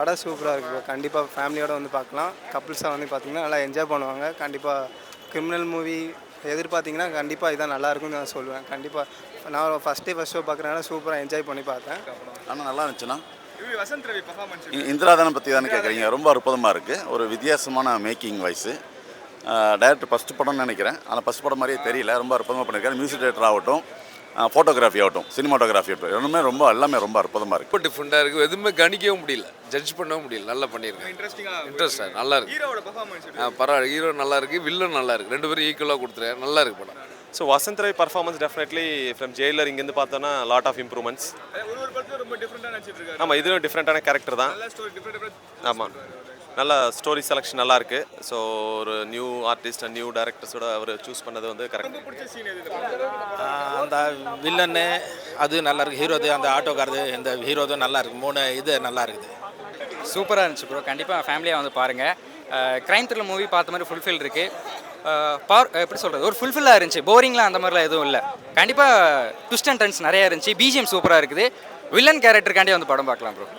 படம் சூப்பராக இருக்குது ப்ரோ. கண்டிப்பாக ஃபேமிலியோடு வந்து பார்க்கலாம். கப்புள்ஸாக வந்து பார்த்திங்கன்னா நல்லா என்ஜாய் பண்ணுவாங்க. கண்டிப்பாக கிரிமினல் மூவி எதிர்பார்த்திங்கன்னா கண்டிப்பாக இதான் நல்லாயிருக்கும்னு நான் சொல்லுவேன். கண்டிப்பாக நான் ஃபஸ்ட் ஷோ பார்க்குறதுனால சூப்பராக என்ஜாய் பண்ணி பார்த்தேன். ஆனால் நல்லா இருந்துச்சுன்னா வசந்த் ரவி பெர்ஃபார்மன்ஸ் இந்திராதானம் பற்றி தானே கேட்குறீங்க. ரொம்ப அற்புதமாக இருக்குது. ஒரு வித்தியாசமான மேக்கிங் வாய்ஸு. டைரக்டர் ஃபஸ்ட்டு படம்னு நினைக்கிறேன். ஆனால் ஃபஸ்ட் படம் மாதிரியே தெரியல. ரொம்ப அற்புதமாக பண்ணியிருக்காரு. மியூசிக் டைரக்டர் ஆகட்டும், ஃபோட்டோகிராஃபி ஆகட்டும், சினிமாட்டோகிராஃபி ஆகட்டும், எல்லாமே ரொம்ப அற்புதமாக இருக்குது. ரொம்ப டிஃப்ரெண்ட்டாக இருக்குது. எதுவுமே கணிக்கவும் முடியல, ஜட்ஜ் பண்ணவும் முடியல. நல்லா பண்ணியிருக்கேன். இன்ட்ரெஸ்டாக நல்லா இருக்குது. ஹீரோவோட பெர்ஃபார்மன்ஸ் பரவாயில்ல. ஹீரோ நல்லா இருக்குது, வில்லன் நல்லா இருக்குது. ரெண்டு பேரும் ஈக்குவலாக கொடுத்துருக்காரு. நல்லா இருக்குது படம். So Vasanth Ravi performance definitely from Jailer இங்கேருந்து பார்த்தோன்னா லாட் ஆஃப் இம்ப்ரூவ்மெண்ட்ஸ். ஒரு படத்துல ரொம்ப டிஃப்ரெண்டாக நடிச்சிட்டு இருக்காரு. ஆமாம், இதுவும் டிஃப்ரெண்ட்டான கேரக்டர் தான். நல்ல ஸ்டோரி டிஃப்ரெண்ட். ஆமாம், நல்ல ஸ்டோரி செலெக்ஷன் நல்லா இருக்குது. ஸோ ஒரு நியூ ஆர்டிஸ்ட் அண்ட் நியூ டேரக்டர்ஸோட அவர் சூஸ் பண்ணது வந்து கரெக்ட். ரொம்ப பிடிச்ச சீன் எது? அந்த வில்லன்னு அது நல்லா இருக்குது. ஹீரோது அந்த ஆட்டோக்காரது இந்த ஹீரோதும் நல்லா இருக்குது. 3 இது நல்லா இருக்குது. சூப்பராக இருந்துச்சு ப்ரோ. கண்டிப்பாக ஃபேமிலியாக வந்து பாருங்கள். க்ரைம் த்ரில்லர் மூவி பார்த்த மாதிரி ஃபுல்ஃபில் இருக்குது. எப்படி சொல்கிறது, ஒரு ஃபுல்ஃபில்லாக இருந்துச்சு. போரிங்லாம் அந்த மாதிரிலாம் எதுவும் இல்லை. கண்டிப்பாக ட்விஸ்ட் அண்ட் டர்ன்ஸ் நிறையா இருந்துச்சு. பிஜிஎம் சூப்பராக இருக்குது. வில்லன் கேரக்டருக்காண்டி வந்து படம் பார்க்கலாம் ப்ரோ.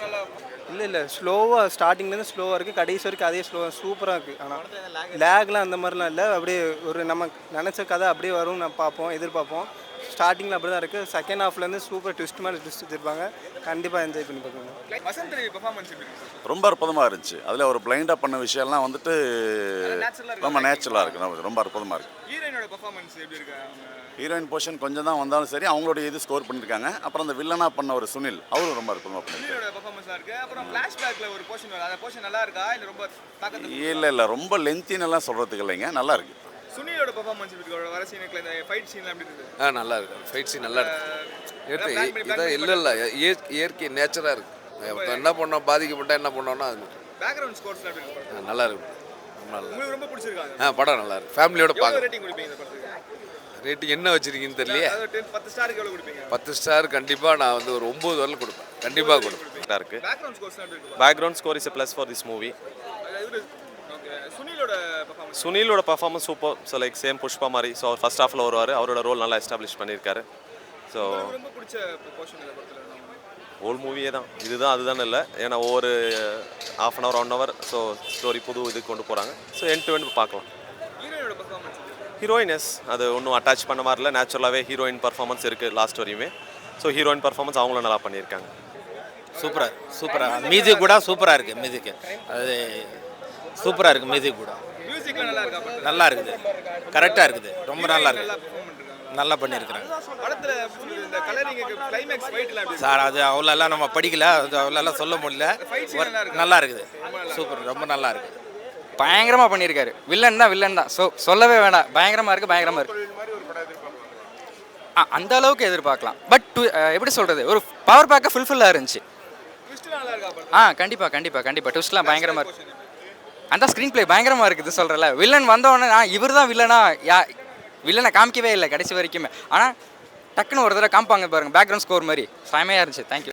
இல்லை ஸ்லோவாக ஸ்டார்டிங்லேருந்து ஸ்லோவாக இருக்குது. கடைசி வரைக்கும் அதே சூப்பராக இருக்குது. ஆனால் லேக்லாம் அந்த மாதிரிலாம் இல்லை. அப்படியே ஒரு நம்ம நினச்ச கதை அப்படியே வரும். நான் எதிர்பார்ப்போம். ஸ்டார்டிங்கில் அப்படி தான் இருக்குது. செகண்ட் ஹாஃப்லேருந்து சூப்பர் ட்விஸ்ட் மேலே ட்விஸ்ட் வச்சுருப்பாங்க. கண்டிப்பாக என்ஜாய் பண்ணி பார்க்கணும். வசந்த் ரவி பெர்ஃபார்மன்ஸ் எப்படி இருக்கு? ரொம்ப அற்புதமாக இருந்துச்சு. அதில் ஒரு பிளைண்டாக பண்ண விஷயம்லாம் வந்துட்டு ரொம்ப நேச்சுரலாக இருக்குது. ரொம்ப அற்புதமாக இருக்குது. ஹீரோயினோட பெர்ஃபார்மன்ஸ் எப்படி இருக்கு? ஹீரோயின் போர்ஷன் கொஞ்சம் தான் வந்தாலும் சரி, அவங்களோட இது ஸ்கோர் பண்ணியிருக்காங்க. அப்புறம் அந்த வில்லனாக பண்ண ஒரு சுனில், அவரும் ரொம்ப அற்புதமாக பண்ணியிருக்காரு. ஹீரோட பெர்ஃபார்மன்ஸாக இருக்கு. அப்புறம் ஃப்ளாஷ்பேக்ல ஒரு போர்ஷன் வரும். அந்த போர்ஷன் நல்லா இருக்கா இல்லை ரொம்ப தாக்கத்தை? இல்லை ரொம்ப லென்த்தின்னு எல்லாம் சொல்கிறதுக்கு இல்லைங்க, நல்லா இருக்குது. சுனிலோட பெர்ஃபார்மன்ஸ் எப்படி இருக்கு? வர சீனுக்குள்ள இந்த ஃபைட் சீன்லாம் எப்படி இருக்கு? நல்லா இருக்கு. ஃபைட் சீன் நல்லா இருக்கு. இதான் இல்லை இயற்கை நேச்சராக இருக்குது. என்ன பண்ணோம், பாதிக்கப்பட்டால் என்ன பண்ணோம்னா அது பேக்ரவுண்ட் ஸ்கோர்ஸ்லாம் எப்படி இருக்கு? நல்லா இருக்கு. நல்லா உங்களுக்கு ரொம்ப பிடிச்சிருக்காங்க? படம் நல்லா இருக்கு. ஃபேமிலியோட பார்க்க. ரேட்டிங் கொடுப்பீங்க இந்த படத்துக்கு? ரேட்டிங் என்ன வச்சிருக்கீங்கன்னு தெரியலையே. 10 ஸ்டாருக்கு எவ்வளோ கொடுப்பீங்க? 10 ஸ்டார் கண்டிப்பாக நான் வந்து ஒரு 9 வரல கொடுப்பேன். கண்டிப்பாக கொடுப்பேன். கரெக்டாக இருக்குது. பேக்ரவுண்ட் ஸ்கோர்ஸ்லாம் எப்படி இருக்கு? Background score is plus for this movie. Okay. சுனிலோட பெர்ஃபார்மன்ஸ்? சுனிலோட performance super. So like same Pushpa மாதிரி. ஸோ அவர் ஃபர்ஸ்ட் ஹாஃபில் வருவார். அவரோட ரோல் நல்லா எஸ்டாப்ளிஷ் பண்ணியிருக்காரு. ஸோ ரொம்ப பிடிச்ச போர்ஷன் இந்த படத்தில் ஹோல் மூவியே தான். இதுதான் அதுதான் இல்லை. ஏன்னா ஒவ்வொரு ½ an hour 1 hour so story புது இது கொண்டு போகிறாங்க. ஸோ எண்ட் டு எண்ட் பார்க்கலாம். ஹீரோயினோட பெர்ஃபார்மன்ஸ்? ஹீரோயினஸ் அது ஒன்றும் அட்டாச் பண்ண மாதிரில நேச்சுரலாகவே ஹீரோயின் பர்ஃபார்மன்ஸ் இருக்குது லாஸ்ட் வரையுமே. ஸோ ஹீரோயின் பர்ஃபார்மன்ஸ் அவங்களும் நல்லா பண்ணியிருக்காங்க. சூப்பராக மியூசிக் கூட சூப்பராக இருக்குது. மியூசிக்கு அது சூப்பராக இருக்குது. மியூசிக் கூட மியூசிக்லாம் நல்லா இருக்கா? நல்லா இருக்குது. கரெக்டாக இருக்குது. ரொம்ப நல்லா இருக்குது. நல்லா பண்ணியிருக்கிறேன். படத்துல இந்த கலரிங்க்கு கிளைமேக்ஸ் ஃபைட்லாம் எப்படி? சார் அது அவ்வளோலாம் நம்ம படிக்கல. அது அவ்வளோலாம் சொல்ல முடியல. நல்லா இருக்குது. சூப்பர். ரொம்ப நல்லா இருக்குது. பயங்கரமாக பண்ணியிருக்காரு. வில்லன் தான். சொல்லவே வேண்டாம். பயங்கரமாக இருக்குது. அந்த அளவுக்கு எதிர்பார்க்கலாம். பட் எப்படி சொல்கிறது, ஒரு பவர் பேக்காக ஃபுல்ஃபில்லாக இருந்துச்சு. ட்விஸ்ட்லாம் நல்லா இருக்கா? கண்டிப்பாக ட்விஸ்ட்லாம் பயங்கரமாக இருக்குது. அந்த ஸ்க்ரீன் பிளே பயங்கரமாக இருக்குது. சொல்கிறல வில்லன் வந்தோடனே இவர் தான் வில்லனை காமிக்கவே இல்லை கடைசி வரைக்குமே. ஆனால் டக்குன்னு ஒரு தடவை காமிப்பாங்க பாருங்கள். பேக்ரவுண்ட் ஸ்கோர் மாதிரி செமையாக இருந்துச்சு. தேங்க்யூ.